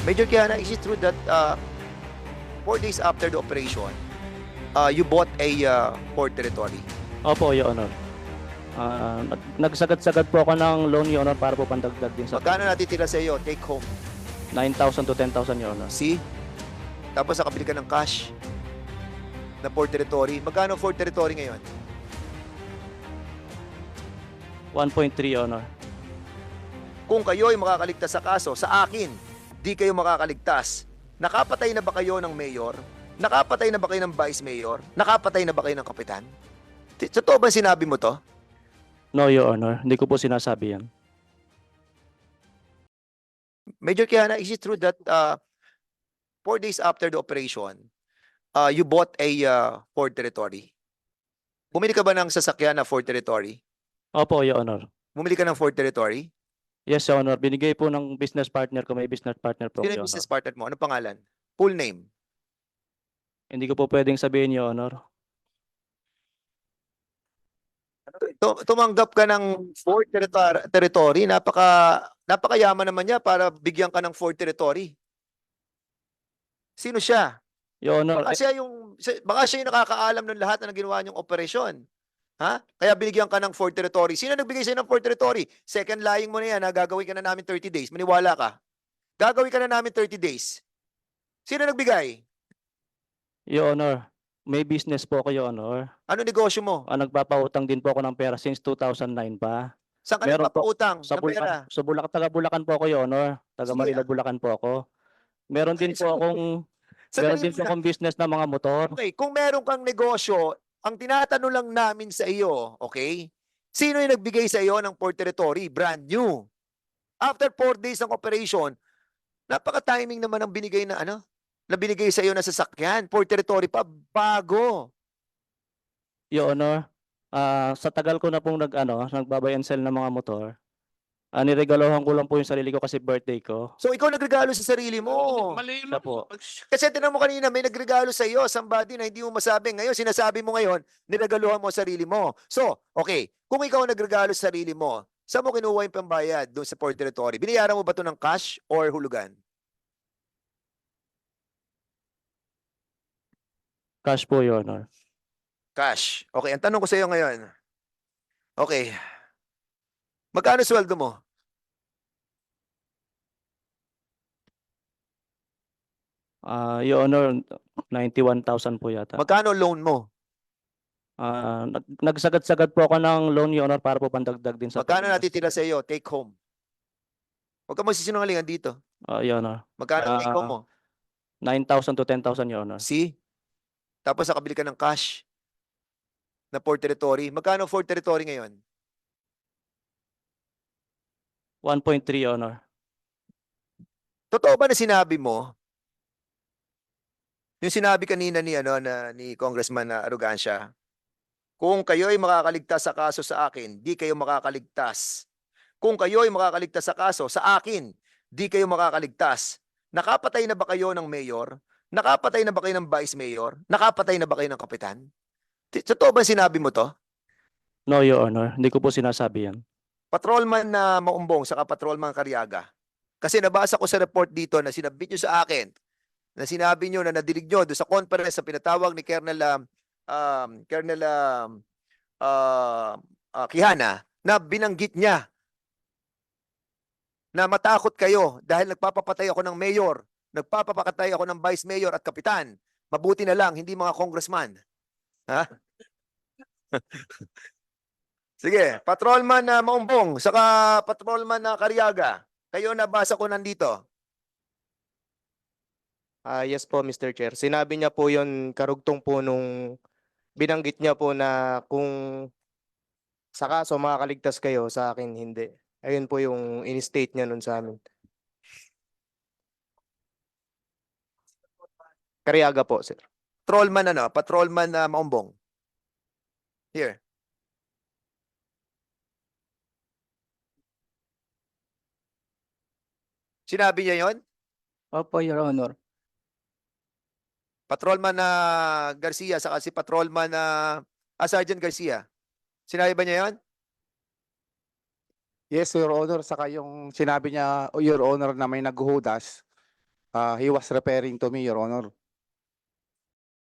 Major Kiana, is it true that 4 days after the operation, you bought a port territory? Opo, Your Honor. Nagsagad-sagad po ako ng loan, Your Honor, para po pandagdag din sa Magkano natitira sa iyo? Take home. 9,000 to 10,000, Your Honor. See? Tapos nakabili ka ng cash na port territory. Magkano port territory ngayon? 1.3, Your Honor. Kung kayo ay makakaligtas sa kaso, sa akin, di kayo makakaligtas. Nakapatay na ba kayo ng mayor? Nakapatay na ba kayo ng vice mayor? Nakapatay na ba kayo ng kapitan? Totoo ba sinabi mo to? No, Your Honor. Hindi ko po sinasabi yan. Major Kiana, is it true that 4 days after the operation, you bought a port territory? Bumili ka ba ng sasakyan na Ford Territory? Opo, Your Honor. Bumili ka ng Ford Territory? Yes, Your Honor. Binigay po ng business partner ko. May business partner po, Sino Your yung business Honor. partner mo? Anong pangalan? Full name? Hindi ko po pwedeng sabihin, Your Honor. Tumanggap ka ng Ford Territory. Napakayaman naman niya para bigyan ka ng Ford Territory. Sino siya? Your Honor, Baka siya yung nakakaalam ng lahat na ginawa niyong operasyon. Ha? Kaya binigyan ka ng Ford Territory. Sino nagbigay sa'yo ng Ford Territory? Second lying mo na yan, ha? Gagawin ka na namin 30 days. Maniwala ka. Gagawin ka na namin 30 days. Sino nagbigay? Your Honor, may business po ako, Your Honor. Ano negosyo mo? Nagpapautang din po ako ng pera since 2009 pa. Saan ka Meron po. nagpapautang Sa ng pera? Bulacan, taga Bulacan po ako, Your Honor. Taga Sige. Manila, Bulacan po ako. Meron din po akong business na mga motor. Okay, kung meron kang negosyo, ang tinatanong lang namin sa iyo, okay? Sino yung nagbigay sa iyo ng Port Territory? Brand new. After 4 days ng operation, napaka-timing naman ang binigay na na binigay sa iyo na sasakyan. Port Territory pa, bago. Your Honor, sa tagal ko na pong nagbabuy and sell ng mga motor, niregalohan ko lang po yung sarili ko kasi birthday ko. So ikaw nagregalo sa sarili mo. Mali Siya po. Kasi tinan mo kanina, may nagregalo sa iyo, somebody na hindi mo masabi. Ngayon, sinasabi mo ngayon, niregaluhan mo sarili mo. So, okay, kung ikaw nagregalo sa sarili mo, saan mo kinuha yung pambayad doon sa Port Territory? Binayaran mo ba ito ng cash or hulugan? Cash po, Your Honor. Cash. Okay, ang tanong ko sa iyo ngayon. Okay. Magkano sweldo mo? Your Honor, 91,000 po yata. Magkano loan mo? Nagsagad-sagad po ako ng loan, Your Honor, para po pandagdag din sa Magkano natitira sa iyo? Take home. Huwag ka magsisinungalingan dito. Your Honor, Magkano ang take home mo? 9,000 to 10,000, Your Honor. See? Tapos nakabili ka ng cash na Port Territory. Magkano Ford Territory ngayon? 1.3, Your Honor. Totoo ba na sinabi mo? Yung sinabi kanina ni Congressman Arrogancia, kung kayo ay makakaligtas sa kaso sa akin, di kayo makakaligtas. Kung kayo ay makakaligtas sa kaso sa akin, di kayo makakaligtas. Nakapatay na ba kayo ng mayor? Nakapatay na ba kayo ng vice mayor? Nakapatay na ba kayo ng kapitan? Totoo ba sinabi mo to? No, Your Honor. Hindi ko po sinasabi yan. Patrolman na Maumbong saka Patrolman Cariaga. Kasi nabasa ko sa report dito na sinabit nyo sa akin, na sinabi nyo na nadilig nyo doon sa conference na pinatawag ni Colonel Quijana na binanggit niya na matakot kayo dahil nagpapapatay ako ng mayor, nagpapapatay ako ng vice mayor at kapitan. Mabuti na lang, hindi mga congressman. Ha? Sige, Patrolman na Maumbong, saka Patrolman na Cariaga. Kayo nabasa ko nandito. Yes po, Mr. Chair. Sinabi niya po yon karugtong po nung binanggit niya po na kung sa kaso makakaligtas kayo, sa akin hindi. Ayun po yung in-state niya nun sa amin. Cariaga po, sir. Patrolman na Maumbong. Here. Sinabi niya yon? Opo, Your Honor. Patrolman na Garcia saka si Patrolman na Sergeant Garcia. Sinabi ba niya yon? Yes, Your Honor. Saka yung sinabi niya, Your Honor, na may naghuhudas. He was referring to me, Your Honor.